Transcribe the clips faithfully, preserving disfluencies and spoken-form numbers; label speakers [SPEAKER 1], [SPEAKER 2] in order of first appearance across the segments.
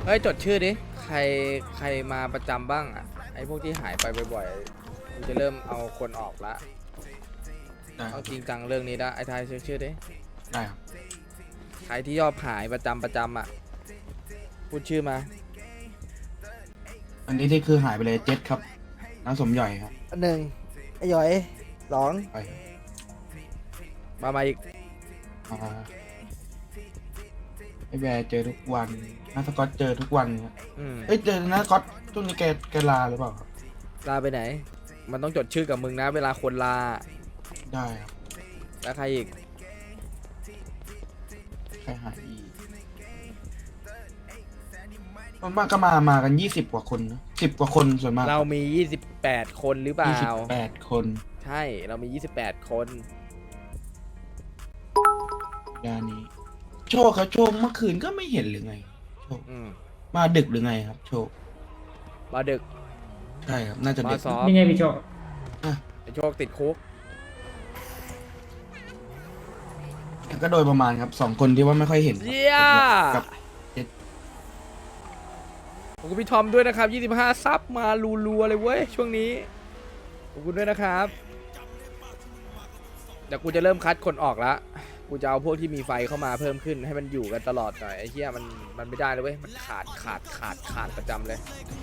[SPEAKER 1] เฮ้ยจดชื่อดิใครใครมาประจำบ้างอ่ะไอ้พวกที่หายไปบ่อยๆกูจะเริ่มเอาคนออกละเอาจริงจังเรื่องนี้นะไอ้ทายชื่อชื่อดิ
[SPEAKER 2] ได้ครับ
[SPEAKER 1] ใครที่ยอบหายประจำประจำอ่ะพูดชื่อมา
[SPEAKER 2] อันนี้ที่คือหายไปเลยเจ็ดครับน้าสมใหญ่ครับ
[SPEAKER 3] หนึ่งไอ้หยอยสอง
[SPEAKER 2] ไป
[SPEAKER 1] มามาอีก
[SPEAKER 2] มาไอ้แบร์เจอทุกวันน้าสกอตเจอทุกวันครับ
[SPEAKER 1] อืม
[SPEAKER 2] เอ้ยเจอน้าสกอตช่วงนี้แกแกลาหรือเปล่าครับ
[SPEAKER 1] ลาไปไหนมันต้องจดชื่อกับมึงนะเวลาคนลา
[SPEAKER 2] ได้ครับ
[SPEAKER 1] แล้วใครอีก
[SPEAKER 2] ใครหายอีกส่วนมากก็มามากันยี่สิบกว่าคนนะสิบกว่าคนส่วนมาก
[SPEAKER 1] เรามียี่สิบแปดคนหรือเปล่า
[SPEAKER 2] ยี่สิบแปดคน
[SPEAKER 1] ใช่เรามียี่สิบแปดคน
[SPEAKER 2] ยานี้โชคครับโชคเมื่อคืนก็ไม่เห็นหรือไงโชคมาดึกหรือไงครับโชค
[SPEAKER 1] มาดึก
[SPEAKER 2] ใช่ครับน่าจะดึก
[SPEAKER 4] นี่ไงพี่โชค
[SPEAKER 1] ไอโชคติดคุก
[SPEAKER 2] ก็โดยประมาณครับสองคนที่ว่าไม่ค่อยเห็น
[SPEAKER 1] เยี่ย
[SPEAKER 2] กับ
[SPEAKER 1] ขอบคุณพี่ทอมด้วยนะครับยี่สิบห้าซับมารัวๆเลยเว้ยช่วงนี้ขอบคุณด้วยนะครับเดี๋ยวกูจะเริ่มคัดคนออกละกูจะเอาพวกที่มีไฟเข้ามาเพิ่มขึ้นให้มันอยู่กันตลอดหน่อยไอ้เหี้ยมันมันไม่ได้เลยเว้ยมันขาดขาดขาดขาดประจำเลย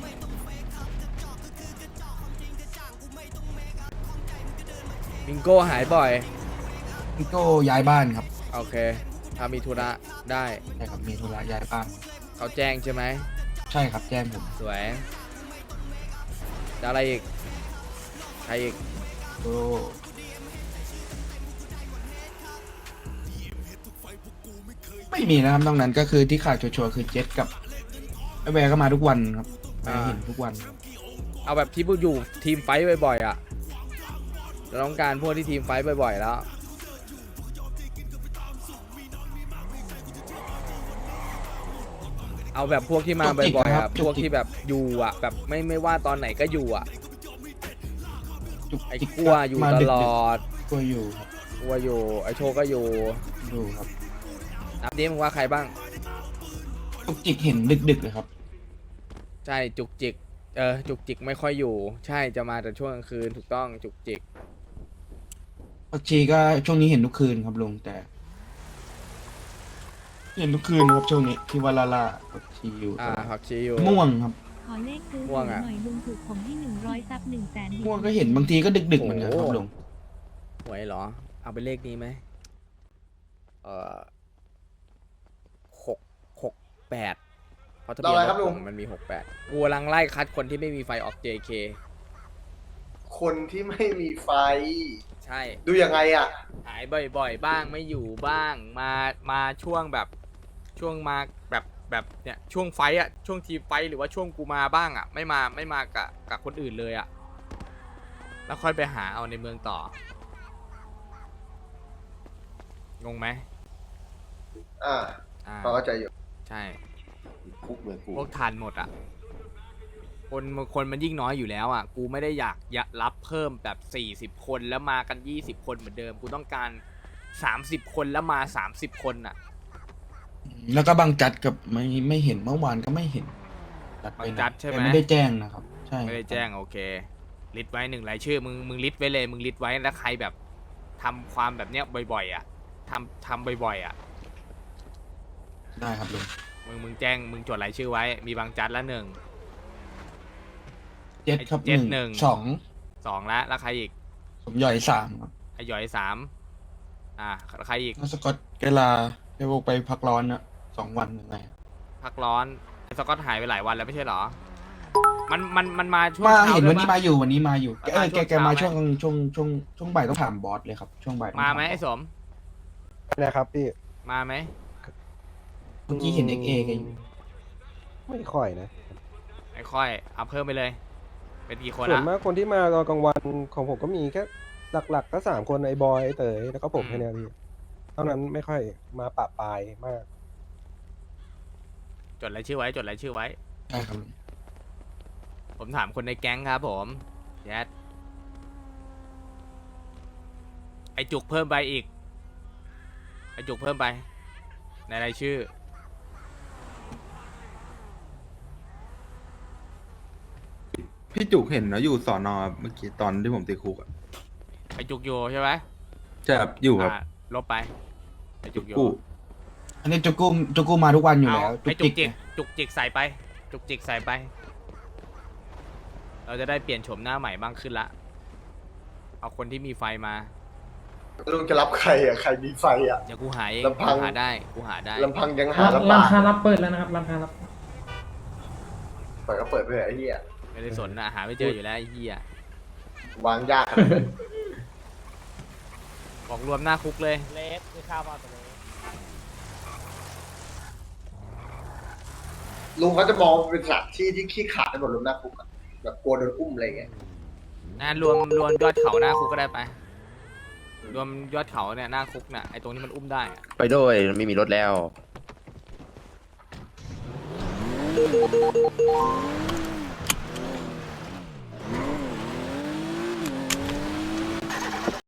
[SPEAKER 1] บิงโก้หายบ่อย
[SPEAKER 2] บิงโก้ย้ายบ้านครับ
[SPEAKER 1] โอเคถ้ามีธุระได้
[SPEAKER 2] ใช่ครับมีธุระย้ายบ้าน
[SPEAKER 1] เขาแจ้งใช่ไหม
[SPEAKER 2] ใช่ครับแจ้งผม
[SPEAKER 1] สวยจะอะไรอีกใครอีก
[SPEAKER 2] โอ้ไม่มีนะครับนอกนั้นก็คือที่ขาดชัวร์ๆคือเจ็ตกับไอแวร์ก็มาทุกวันครับมาเห็นทุกวัน
[SPEAKER 1] เอาแบบที่อยู่ทีมไฟท์บ่อยๆอ่ะเราต้องการพวกที่ทีมไฟท์บ่อยๆแล้วเอาแบบพวกที่มาบ่อยๆครับพวกที่แบบอยู่อ่ะแบบไม่ไม่ว่าตอนไหนก็อยู่อ่ะไอ้กลัวอยู่ตลอด
[SPEAKER 2] กลัวอยู่ครับ
[SPEAKER 1] กลัวอยู่ไอ้โชก็อยู่
[SPEAKER 2] อยู่ครับ
[SPEAKER 1] นับดิมึงว่าใครบ้าง
[SPEAKER 2] จุกจิกเห็นดึกๆเลยครับ
[SPEAKER 1] ใช่จุกจิกเออจุกจิกไม่ค่อยอยู่ใช่จะมาแต่ช่วงกลางคืนถูกต้องจุกจิก
[SPEAKER 2] ผักชีก็ช่วงนี้เห็นทุกคืนครับลุงแต่เห็นทุกคืนครับช่วงนี้ที่วาลาลาผักชีอยู่
[SPEAKER 1] อ่าผักชีอยู่
[SPEAKER 2] ม่วงครับ
[SPEAKER 5] ขอเลขซื้อหน่อยลุงถูกผมที่หนึ่งร้อยซับหนึ่งแสน
[SPEAKER 2] ม่วงก็เห็นบางทีก็ดึกๆเหมือนกันครับลุง
[SPEAKER 1] หวยเหรอเอาไปเลขนี้ไหมเอ่อหกหกแปดเพราะทะเบียนรถผมมันมีหกแปดกูกำลังไล่คัดคนที่ไม่มีไฟออก เจ เค
[SPEAKER 6] คนที่ไม่มีไฟ
[SPEAKER 1] ใช่
[SPEAKER 6] ดูยังไงอ่ะ
[SPEAKER 1] หายบ่อยๆบ้างไม่อยู่บ้างมามาช่วงแบบช่วงมาแบบแบบเนี่ยช่วงไฟอ่ะช่วงทีมไฟหรือว่าช่วงกูมาบ้างอ่ะไม่มาไม่มากับกับคนอื่นเลยอ่ะแล้วค่อยไปหาเอาในเมืองต่องงไหม
[SPEAKER 6] อ่าเข้าใจอยู่
[SPEAKER 1] ใช่
[SPEAKER 6] คุกเลยกู
[SPEAKER 1] พวกทันหมดอ่ะคนคนมันยิ่งน้อยอยู่แล้วอ่ะกูไม่ได้อยากอยากรับเพิ่มแบบสี่สิบคนแล้วมากันยี่สิบคนเหมือนเดิมกูต้องการสามสิบคนแล้วมาสามสิบคนอ่ะ
[SPEAKER 2] แล้วก็บางจัดกับไม่ไม่เห็นเมื่อวานก็ไม่เห็น
[SPEAKER 1] บางจัดใช่ไหม
[SPEAKER 2] ไม่ได้แจ้งนะครับใช่
[SPEAKER 1] ไม่ได้แจ้งโอเคลิสต์ไว้หนึ่งรายชื่อมึงมึงลิสต์ไว้เลยมึงลิสต์ไว้แล้วใครแบบทำความแบบเนี้ยบ่อยๆอ่ะทำทำบ่อยๆอ่ะ
[SPEAKER 2] ได้ครับลุง
[SPEAKER 1] มึงมึงแจ้งมึงจดรายชื่อไว้มีบางจัดละหนึ่ง
[SPEAKER 2] เจ็ดครับหนึ่งสอง
[SPEAKER 1] สองแล้วแล้วใครอีก
[SPEAKER 2] สมย่อยสามครับ
[SPEAKER 1] ไอหย่อยสามอ่าใครอีก
[SPEAKER 2] สกอตเกลาไปพวกไปพักร้อนนะสองวันยังไง
[SPEAKER 1] พักร้อนไอสกอตหายไปหลายวันแล้วไม่ใช่หรอมันมันมันมาช่วง
[SPEAKER 2] มาเห็นวันนี้มาอยู่วันนี้มาอยู่เออแกแกมาช่วงช่วงช่วงช่วงบ่ายต้องถามบอสเลยครับช่วงบ่าย
[SPEAKER 1] มาไหมไอสม
[SPEAKER 3] นะครับพี่
[SPEAKER 1] มาไหม
[SPEAKER 2] เมื่อกี้เห็นเอ็กเอกันอยู่
[SPEAKER 3] ไม่ค่อยนะ
[SPEAKER 1] ไม่ค่อยเอาเพิ่มไปเลยเป็นกี่คน
[SPEAKER 3] ส่วนมากคนที่มาตอนกลางวันของผมก็มีแค่หลักๆก็สามคนไอ้บอยไอ้เต๋อแล้วก็ผมแค่นี้พี่เท่านั้นไม่ค่อยมาปะปายมาก
[SPEAKER 1] จดรายชื่อไว้จดรายชื่อไว้
[SPEAKER 2] ใช่ครับ
[SPEAKER 1] ผมถามคนในแก๊งครับผมแยดไอจุกเพิ่มไปอีกไอจุกเพิ่มไปในรายชื่อ
[SPEAKER 2] พี่จุกเห็นนะอยู่สอนอเมื่อกี้ตอนที่ผมติดคุกอะ
[SPEAKER 1] ไอจุกโยใช่ไหม
[SPEAKER 2] ใช่ครับอยู่ครับ
[SPEAKER 1] อ่ะลบไปไอจุกโย
[SPEAKER 2] กู้อันนี้จุกกู้จุกกู้มาทุกวันอยู่
[SPEAKER 1] เอา
[SPEAKER 2] แล้ว
[SPEAKER 1] ไอจุกจิก
[SPEAKER 2] ไง
[SPEAKER 1] จุกจิกใส่ไป จุกจิกใส่ไป เราจะได้เปลี่ยนโฉมหน้าใหม่บ้างขึ้นละ เอาคนที่มีไฟมา
[SPEAKER 6] ลุงจะรับใครอ่ะ ใครมีไฟอ่ะ
[SPEAKER 1] เดี๋ยวกูหาเอง
[SPEAKER 6] ลำพัง
[SPEAKER 1] กูหาได้กูหาได้
[SPEAKER 6] ลำพังยังหา
[SPEAKER 4] ร้าน
[SPEAKER 6] ลำบาก
[SPEAKER 4] ค้ารับเปิดแล้วนะครับร้านค้ารับ
[SPEAKER 6] เปิดก็เปิดไปเถอะไอ้เหี้ย
[SPEAKER 1] ไม่ได้สนนะหาไม่เจออยู่แล้วไอ้เหี้ยว
[SPEAKER 6] างยากขนาดนั้น
[SPEAKER 1] บอกรวมหน้าคุกเลย
[SPEAKER 7] เลสคือข้าวมาตัวเลส
[SPEAKER 6] ลุงเขาจะมองเป็นสถานที่ที่ขี้ขลาดในบทลมหน้าคุกอะแบบกลัวโดนอุ้มอะไรเงี้ย
[SPEAKER 1] นะรวมรวมยอดเขาหน้าคุกก็ได้ไป รวมยอดเขาเนี่ยหน้าคุกน่ะไอตรงนี้มันอุ้มได้อะ
[SPEAKER 8] ไปด้วยไม่มีรถแล้ว